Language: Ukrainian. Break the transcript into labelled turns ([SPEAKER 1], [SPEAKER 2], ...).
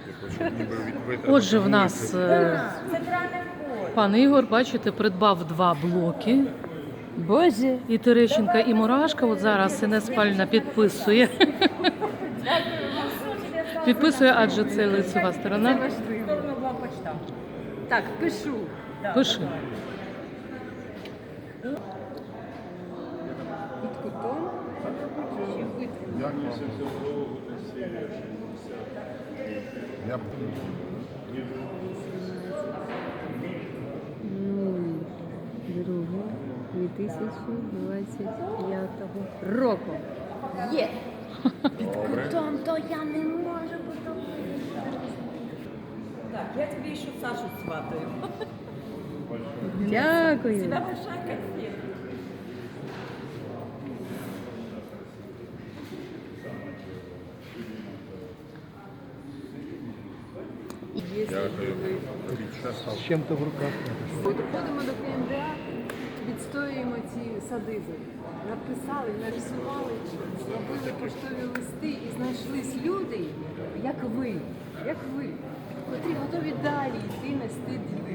[SPEAKER 1] Отже, в нас пан Ігор, бачите, придбав 2 блоки.
[SPEAKER 2] Боже.
[SPEAKER 1] І Терещенка, і Мурашка. От зараз Інес Павлівна підписує. Підписує, адже це лицева сторона.
[SPEAKER 2] Так, пишу.
[SPEAKER 1] Пиши.
[SPEAKER 2] Під кутом. Ще витру. Друге 2025 року. Є! Під кутом, то я не можу потім.
[SPEAKER 3] Так, я тобі ще Сашу сватаю.
[SPEAKER 2] Дякую.
[SPEAKER 3] Тебя большая конфета.
[SPEAKER 4] З чим-то в руках.
[SPEAKER 2] Доходимо до КМДА, відстоюємо ці садизи. Написали, нарисували, зробили поштові листи і знайшлись люди, як ви, котрі готові далі йти нести